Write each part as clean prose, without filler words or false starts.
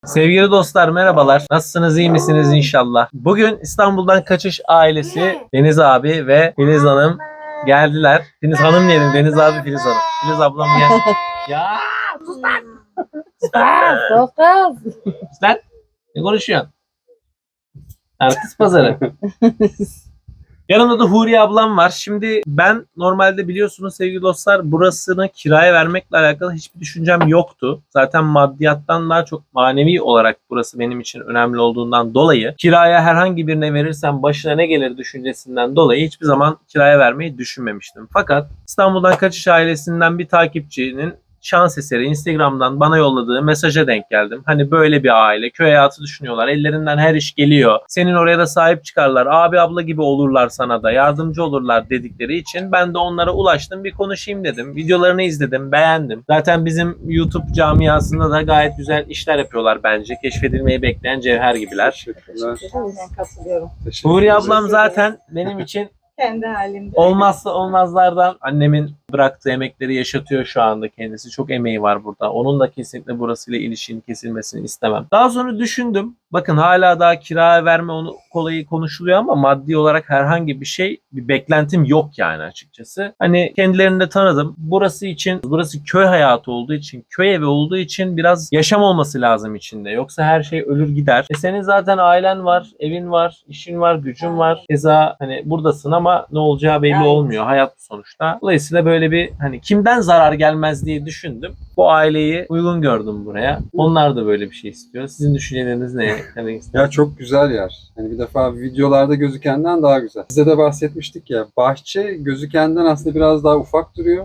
Sevgili dostlar merhabalar. Nasılsınız, iyi misiniz inşallah? Bugün İstanbul'dan kaçış ailesi Deniz abi ve Filiz Hanım geldiler. Deniz Hanım diyelim, Deniz abi, Filiz Hanım. Filiz ablam gel. Ya sus lan. Sus lan. Ne konuşuyorsun? Artist pazarı. Yanımda da Huriye ablam var. Şimdi ben normalde biliyorsunuz sevgili dostlar burasını kiraya vermekle alakalı hiçbir düşüncem yoktu. Zaten maddiyattan daha çok manevi olarak burası benim için önemli olduğundan dolayı kiraya herhangi birine verirsem başına ne gelir düşüncesinden dolayı hiçbir zaman kiraya vermeyi düşünmemiştim. Fakat İstanbul'dan Kaçış ailesinden bir takipçinin şans eseri Instagram'dan bana yolladığı mesaja denk geldim. Hani böyle bir aile, köy hayatı düşünüyorlar. Ellerinden her iş geliyor. Senin oraya da sahip çıkarlar. Abi abla gibi olurlar sana da. Yardımcı olurlar dedikleri için ben de onlara ulaştım. Bir konuşayım dedim. Videolarını izledim. Beğendim. Zaten bizim YouTube camiasında da gayet güzel işler yapıyorlar bence. Keşfedilmeyi bekleyen cevher gibiler. Ben katılıyorum. Huriye ablam zaten benim için Kendi halimde. olmazsa olmazlardan. Annemin bıraktığı emekleri yaşatıyor şu anda kendisi. Çok emeği var burada. Onun da kesinlikle burasıyla ilişkinin kesilmesini istemem. Daha sonra düşündüm. Bakın hala daha kira verme onu kolayı konuşuluyor ama maddi olarak herhangi bir beklentim yok yani açıkçası. Hani kendilerini de tanıdım. Burası köy hayatı olduğu için, köy evi olduğu için biraz yaşam olması lazım içinde. Yoksa her şey ölür gider. Senin zaten ailen var, evin var, işin var, gücün var. Keza hani buradasın ama ne olacağı belli olmuyor. Hayat sonuçta. Dolayısıyla böyle bir hani kimden zarar gelmez diye düşündüm. Bu aileyi uygun gördüm buraya. Onlar da böyle bir şey istiyor. Sizin düşünceleriniz ne? Ya çok güzel yer. Hani bir defa videolarda gözükenden daha güzel. Size de bahsetmiştik ya. Bahçe gözükenden aslında biraz daha ufak duruyor.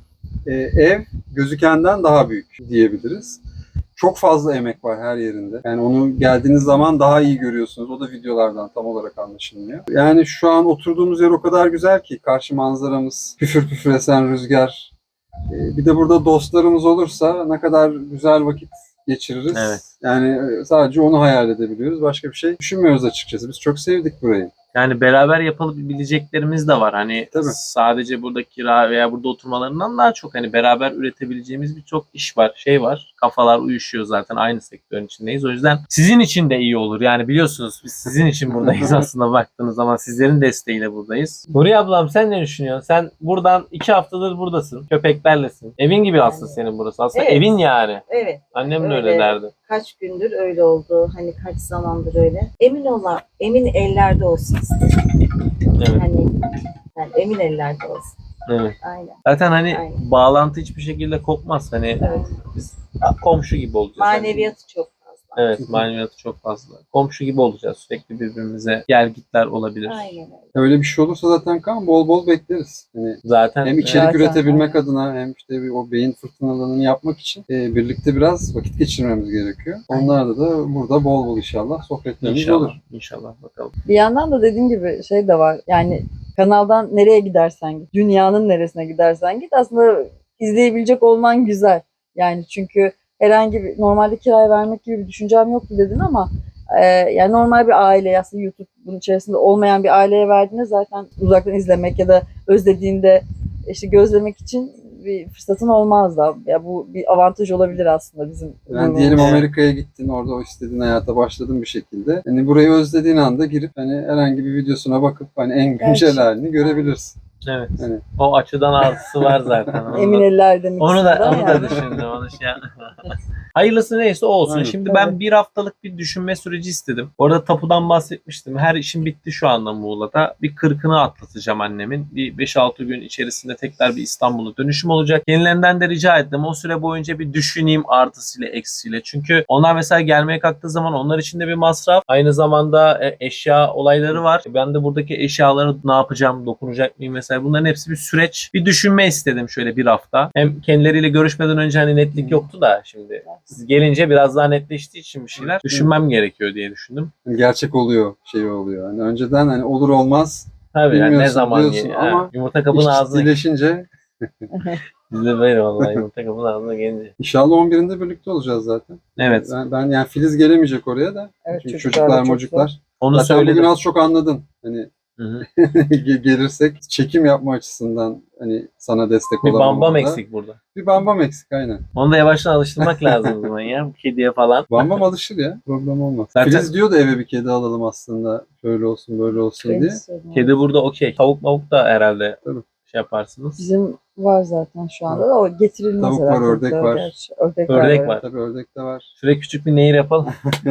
Ev gözükenden daha büyük diyebiliriz. Çok fazla emek var her yerinde. Yani onu geldiğiniz zaman daha iyi görüyorsunuz. O da videolardan tam olarak anlaşılmıyor. Yani şu an oturduğumuz yer o kadar güzel ki karşı manzaramız, püfür püfür esen rüzgar. Bir de burada dostlarımız olursa ne kadar güzel vakit geçiririz. Evet. Yani sadece onu hayal edebiliyoruz. Başka bir şey düşünmüyoruz açıkçası. Biz çok sevdik burayı. Yani beraber yapabileceklerimiz de var. Hani Tabii. sadece burada kira veya burada oturmalarından daha çok hani beraber üretebileceğimiz birçok iş var, şey var. Kafalar uyuşuyor zaten aynı sektörün içindeyiz. O yüzden sizin için de iyi olur. Yani biliyorsunuz biz sizin için buradayız aslında baktığınız zaman sizlerin desteğiyle buradayız. Nuriye ablam sen ne düşünüyorsun? Sen buradan 2 haftadır buradasın. Köpeklerlesin. Evin gibi aslında senin burası. Aslında Evet. evin yani. Evet. Annem de Öyle. öyle derdi. Kaç gündür öyle oldu. Hani kaç zamandır öyle. Emin ellerde olsun istedim. Evet. Hani yani emin ellerde olsun. Evet. Aynen. Zaten hani Aynen. bağlantı hiçbir şekilde kopmaz. Hani Evet. biz komşu gibi olacağız. Maneviyatı çok fazla. Evet, maneviyatı çok fazla. Komşu gibi olacağız. Sürekli birbirimize gelgitler olabilir. Aynen öyle. Öyle bir şey olursa zaten kan bol bol bekleriz. Yani Zaten hem içerik Zaten, üretebilmek aynen. adına hem işte o beyin fırtınalarını yapmak için birlikte biraz vakit geçirmemiz gerekiyor. Onlarda da burada bol bol inşallah sohbetlerimiz inşallah, olur. inşallah bakalım. Bir yandan da dediğim gibi şey de var. Yani kanaldan nereye gidersen git, dünyanın neresine gidersen git aslında izleyebilecek olman güzel. Yani çünkü herhangi bir normalde kiraya vermek gibi bir düşüncem yoktu dedin ama yani normal bir aile aslında YouTube bunun içerisinde olmayan bir aileye verdiğinde zaten uzaktan izlemek ya da özlediğinde işte gözlemek için bir fırsatın olmaz da. Ya bu bir avantaj olabilir aslında bizim. Yani diyelim Evet. Amerika'ya gittin, orada o istediğin hayata başladın bir şekilde. Hani burayı özlediğin anda girip hani herhangi bir videosuna bakıp hani en güncel Gerçi. halini görebilirsin. Evet. Hani O açıdan artısı var zaten. Emin eller demek Onu da yani. düşündüm. Onu şey Hayırlısı neyse o olsun. Aynen. Şimdi ben bir haftalık bir düşünme süreci istedim. Orada tapudan bahsetmiştim. Her işim bitti şu anda Muğla'da. Bir 40'ını atlatacağım annemin. Bir 5-6 gün içerisinde tekrar bir İstanbul'a dönüşüm olacak. Kendilerinden de rica ettim. O süre boyunca bir düşüneyim artısıyla eksiyle. Çünkü onlar mesela gelmeye kalktığı zaman onlar için de bir masraf. Aynı zamanda eşya olayları var. Ben de buradaki eşyaları ne yapacağım, dokunacak mıyım mesela. Bunların hepsi bir süreç. Bir düşünme istedim şöyle bir hafta. Hem kendileriyle görüşmeden önce hani netlik yoktu da şimdi. Siz gelince biraz daha netleştiği için bir şeyler düşünmem gerekiyor diye düşündüm. gerçek oluyor, şey oluyor. Hani önceden hani olur olmaz Tabii yani ne bilmiyorsun zaman diyorsun yani, ama yumurta kabın iş ağzına ciddileşince bizde böyle vallahi yumurta kabın ağzına gelince. inşallah 11'inde birlikte olacağız zaten. Evet. Ben yani Filiz gelemeyecek oraya da. Evet, Çünkü çocuklar da çocuklar çok mocuklar. Onu Zaten söyledim. bugün az çok anladın. Hani Hı hı. Gelirsek çekim yapma açısından hani sana destek Bir olalım. bambam orada. eksik burada. Bir bambam eksik aynen. Onu da yavaştan alıştırmak lazım o zaman ya. Bu kediye falan. Bambam alışır ya. Problem olmaz. Zaten- Filiz diyor da eve bir kedi alalım aslında. Şöyle olsun böyle olsun diye. Kedi burada okey. Tavuk mavuk da herhalde Tabii. şey yaparsınız. Bizim var zaten şu anda da o getirilmez Tavuk var, herhalde. ördek var. Gerçi. Ördek, Ördek var. var. Tabii ördek de var. Şuraya küçük bir nehir yapalım.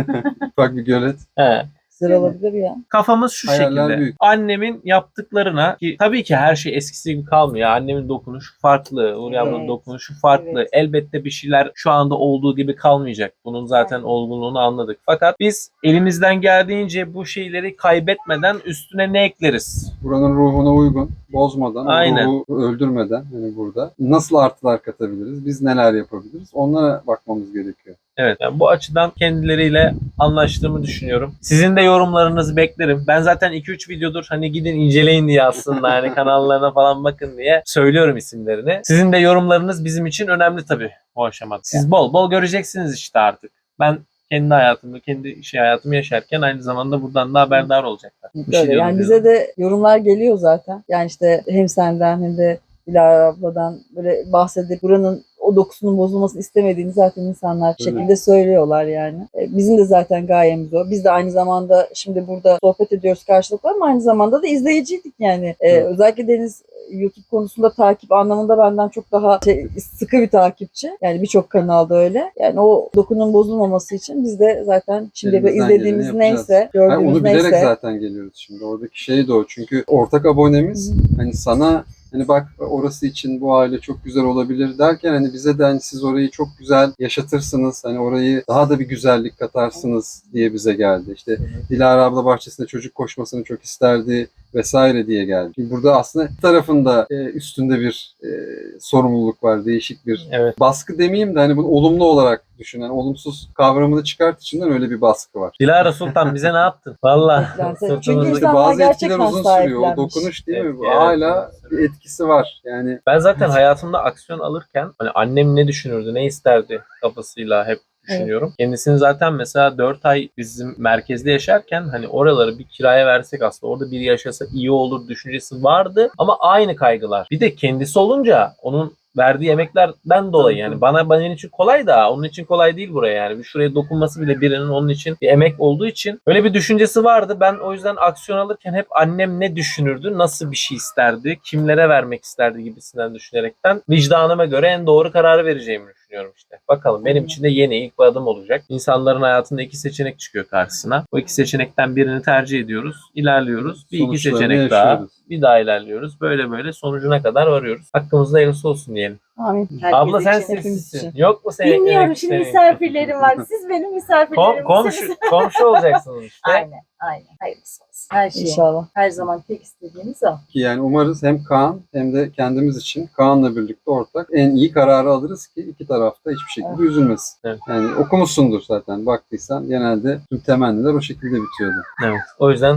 Ufak bir gölet. He. Güzel olabilir ya. Kafamız şu Hayaller şekilde. büyük. Annemin yaptıklarına ki tabii ki her şey eskisi gibi kalmıyor. Annemin dokunuşu farklı. Uğur ablanın Evet. dokunuşu farklı. Evet. Elbette bir şeyler şu anda olduğu gibi kalmayacak. Bunun zaten Aynen. olgunluğunu anladık. Fakat biz elimizden geldiğince bu şeyleri kaybetmeden üstüne ne ekleriz? Buranın ruhuna uygun, bozmadan, o Aynen. ruhu öldürmeden hani burada nasıl artılar katabiliriz, biz neler yapabiliriz onlara bakmamız gerekiyor. Evet, yani bu açıdan kendileriyle anlaştığımı düşünüyorum. Sizin de yorumlarınızı beklerim. Ben zaten 2-3 videodur hani gidin inceleyin diye aslında hani kanallarına falan bakın diye söylüyorum isimlerini. Sizin de yorumlarınız bizim için önemli tabii bu aşamada. Siz bol bol göreceksiniz işte artık. Ben kendi hayatımı, kendi hayatımı yaşarken aynı zamanda buradan da haberdar olacaklar. Bir şey Böyle. diyorum Yani diyorum. bize de yorumlar geliyor zaten. Yani işte hem senden hem de Dilara abladan böyle bahsedip buranın o dokusunun bozulmasını istemediğini zaten insanlar bir Öyle. şekilde söylüyorlar yani. Bizim de zaten gayemiz o. Biz de aynı zamanda şimdi burada sohbet ediyoruz karşılıklı ama aynı zamanda da izleyiciydik yani. Evet. Özellikle Deniz YouTube konusunda takip anlamında benden çok daha sıkı bir takipçi. Yani birçok kanalda öyle. Yani o dokunun bozulmaması için biz de zaten şimdi Elimizden izlediğimiz geleni neyse, yapacağız. gördüğümüz Onu bilerek neyse. zaten geliyoruz şimdi. Oradaki şey de o. Çünkü ortak abonemiz hani sana hani bak orası için bu aile çok güzel olabilir derken hani bize de hani siz orayı çok güzel yaşatırsınız. Hani orayı daha da bir güzellik katarsınız diye bize geldi. İşte Dilara abla bahçesinde çocuk koşmasını çok isterdi vesaire diye geldi. Şimdi burada aslında bir tarafında üstünde bir sorumluluk var. Değişik bir Evet. baskı demeyeyim de hani bunu olumlu olarak düşünen, olumsuz kavramını çıkart içinden öyle bir baskı var. Dilara Sultan bize ne yaptın? Valla. Beklenti. Çünkü sırtımızda- İnsanlar Bazı etkiler gerçekten uzun sürüyor. O sahiplenmiş. dokunuş değil mi? Evet, Bu evet. hala bir etkisi var. Yani Ben zaten hayatımda aksiyon alırken hani annem ne düşünürdü, ne isterdi kafasıyla hep düşünüyorum. Kendisini zaten mesela 4 ay bizim merkezde yaşarken hani oraları bir kiraya versek aslında orada biri yaşasa iyi olur düşüncesi vardı ama aynı kaygılar. Bir de kendisi olunca onun verdiği emeklerden dolayı yani benim için kolay da onun için kolay değil buraya yani. Bir şuraya dokunması bile birinin onun için bir emek olduğu için öyle bir düşüncesi vardı. Ben o yüzden aksiyon alırken hep annem ne düşünürdü, nasıl bir şey isterdi, kimlere vermek isterdi gibisinden düşünerekten vicdanıma göre en doğru kararı vereceğimi düşünüyorum işte. Bakalım benim için de yeni ilk bir adım olacak. İnsanların hayatında 2 seçenek çıkıyor karşısına. O 2 seçenekten birini tercih ediyoruz, ilerliyoruz. Bir 2 Sonuçlarını seçenek daha, yaşıyoruz. bir daha ilerliyoruz. Böyle böyle sonucuna kadar varıyoruz. Hakkımızda hayırlısı olsun diyelim. Amin. Herkes Abla sen için. hepimiz sessizsin. için. Yok mu senin? Bilmiyorum şimdi misafirlerim var. Siz benim misafirlerim Komşu, misiniz? komşu olacaksınız işte. Aynen. Hayırlısı olsun. Her şey. İnşallah. Her zaman tek istediğimiz o. ki yani umarız hem Kaan hem de kendimiz için Kaan'la birlikte ortak en iyi kararı alırız ki iki tarafta hiçbir şekilde üzülmesin. Evet. Yani okumuşsundur zaten baktıysan genelde tüm temenniler o şekilde bitiyordu. Evet. O yüzden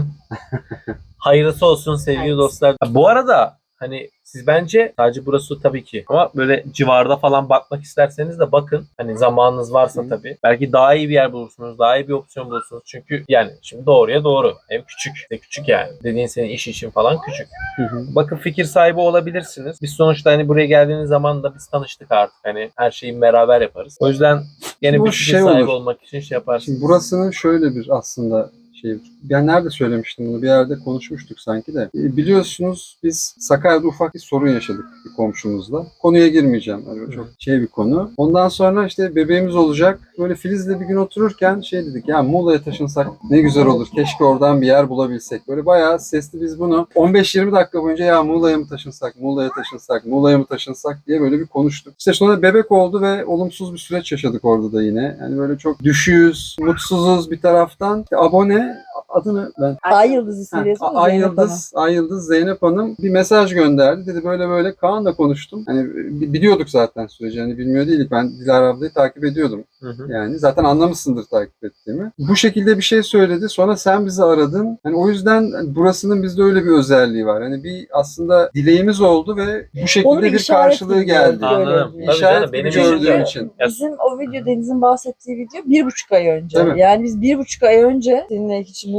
hayırlısı olsun sevgili Hayırlısı. dostlar. Bu arada hani siz bence sadece burası tabii ki ama böyle civarda falan bakmak isterseniz de bakın. Hani zamanınız varsa Hı. tabii. Belki daha iyi bir yer bulursunuz. Daha iyi bir opsiyon bulursunuz. Çünkü yani şimdi doğruya doğru. Ev küçük. De küçük yani. Dediğin senin iş için falan küçük. Bakın fikir sahibi olabilirsiniz. Biz sonuçta hani buraya geldiğiniz zaman da biz tanıştık artık. Hani her şeyi beraber yaparız. O yüzden gene Bu bir fikir şey sahibi olur. olmak için şey yaparsınız. Şimdi burasının şöyle bir aslında şey, ben nerede söylemiştim bunu bir yerde konuşmuştuk sanki de. Biliyorsunuz biz Sakarya'da ufak bir sorun yaşadık bir komşumuzla. Konuya girmeyeceğim. Hani çok şey bir konu. Ondan sonra işte bebeğimiz olacak. Böyle Filiz'le bir gün otururken şey dedik ya Muğla'ya taşınsak ne güzel olur. Keşke oradan bir yer bulabilsek. Böyle bayağı sesli biz bunu 15-20 dakika boyunca ya Muğla'ya mı taşınsak, Muğla'ya taşınsak, Muğla'ya mı taşınsak diye böyle bir konuştuk. İşte sonra bebek oldu ve olumsuz bir süreç yaşadık orada da yine. Yani böyle çok düşüğüz, mutsuzuz bir taraftan. İşte abone adını ben Ay Yıldız ismiyle Ay Yıldız Zeynep Hanım bir mesaj gönderdi. Dedi böyle böyle Kaan'la konuştum. Hani biliyorduk zaten süreci. Hani bilmiyor değildik. Ben Dilara ablayı takip ediyordum. Hı hı. Yani zaten anlamışsındır takip ettiğimi. Bu şekilde bir şey söyledi. Sonra sen bizi aradın. Hani o yüzden burasının bizde öyle bir özelliği var. Hani bir aslında dileğimiz oldu ve bu şekilde Onu bir bir işaret karşılığı gibi geldi. gördük. Anladım. Öyle. Tabii İşaret canım, gibi benim gördüğüm için de. için. Bizim o video Deniz'in bahsettiği video 1,5 ay önce. Tabii. Yani biz 1,5 ay önce seninle hiç bu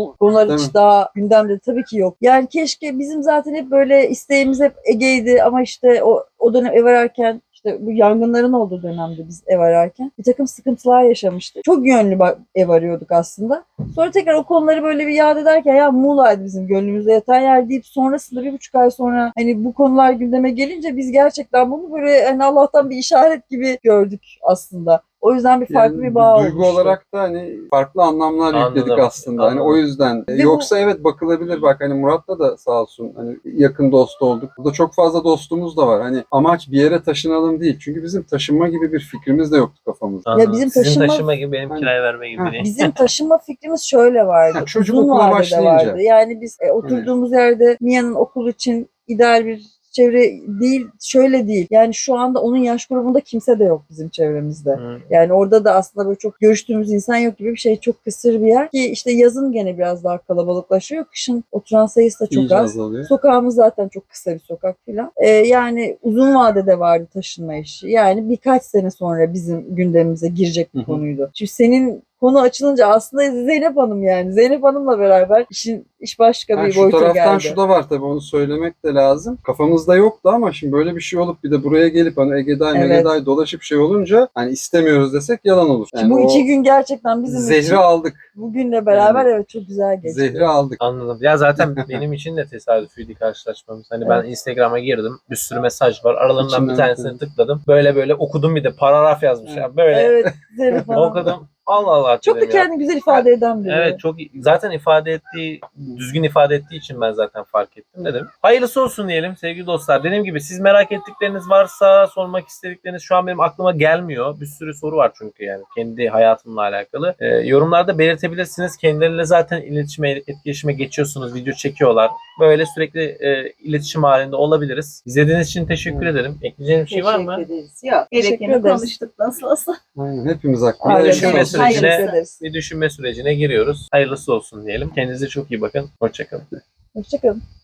bu konular Değil hiç mi? daha gündemde tabii ki yok. Yani keşke bizim zaten hep böyle isteğimiz hep Ege'ydi ama işte o dönem ev ararken işte bu yangınların olduğu dönemde biz ev ararken bir takım sıkıntılar yaşamıştık. Çok yönlü ev arıyorduk aslında. Sonra tekrar o konuları böyle bir yad ederken ya Muğla'ydı bizim gönlümüzde yatan yer deyip sonrasında 1,5 ay sonra hani bu konular gündeme gelince biz gerçekten bunu böyle hani Allah'tan bir işaret gibi gördük aslında. O yüzden bir farklı Yani bir bağ duygu oluştu. olarak da hani farklı anlamlar Anladım, yükledik aslında. Hani anladım. o yüzden. Ve bu- Yoksa evet bakılabilir. Bak hani Murat'la da sağ olsun hani yakın dost olduk. Burada çok fazla dostumuz da var. Hani amaç bir yere taşınalım değil. Çünkü bizim taşınma gibi bir fikrimiz de yoktu kafamızda. Anladım. bizim Sizin taşınma- taşıma gibi benim Hani- kiraya verme gibi Ha. değil. Bizim taşınma fikrimiz şöyle vardı. Ha, çocuk Uzun okula vadede başlayınca. vardı. Yani biz oturduğumuz yerde Mia'nın okul için ideal bir çevre değil, şöyle değil. Yani şu anda onun yaş grubunda kimse de yok bizim çevremizde. Hı. Yani orada da aslında böyle çok görüştüğümüz insan yok gibi bir şey. Çok kısır bir yer. Ki işte yazın gene biraz daha kalabalıklaşıyor. Kışın oturan sayısı da çok İyice az. azalıyor. Sokağımız zaten çok kısa bir sokak filan. Yani uzun vadede vardı taşınma işi. Yani birkaç sene sonra bizim gündemimize girecek bir Hı hı. konuydu. Şimdi senin konu açılınca aslında Zeynep Hanım yani. Zeynep Hanım'la beraber iş başka Ha, bir şu boyuta taraftan geldi. şu da var tabii onu söylemek de lazım. Kafamızda yoktu ama şimdi böyle bir şey olup bir de buraya gelip hani Ege'day Evet. Mege'day dolaşıp şey olunca hani istemiyoruz desek yalan olur. Şimdi bu o 2 gün gerçekten bizim zehri için aldık. bugünle beraber Yani evet çok güzel geçti. Zehri aldık. Anladım. Ya zaten benim için de tesadüfüydü karşılaşmamız. Hani ben Evet. Instagram'a girdim. Bir sürü mesaj var. Aralarından İçinden bir tanesini evet. tıkladım. Böyle okudum bir de paragraf yazmış. Evet. Ya böyle Evet Zeynep Hanım. okudum. Allah Allah Çok da dedim ya. kendini güzel ifade eden biri. Evet çok zaten düzgün ifade ettiği için ben zaten fark ettim dedim. Hayırlısı olsun diyelim sevgili dostlar. Dediğim gibi siz merak ettikleriniz varsa sormak istedikleriniz şu an benim aklıma gelmiyor. Bir sürü soru var çünkü yani kendi hayatımla alakalı. Yorumlarda belirtebilirsiniz. Kendileriyle zaten etkileşime geçiyorsunuz. Video çekiyorlar. Böyle sürekli iletişim halinde olabiliriz. İzlediğiniz için teşekkür ederim. Ekleyeceğim bir şey var mı? Teşekkür ederiz. Yok, Teşekkür gerekeni ederiz. konuştuk nasıl olsa. Aynen, hepimiz hakkında. Aynen. düşünme Evet, sürecine- teşekkür ederiz. Bir düşünme sürecine giriyoruz. Hayırlısı olsun diyelim. Kendinize çok iyi bakın. Hoşçakalın. Hoşçakalın.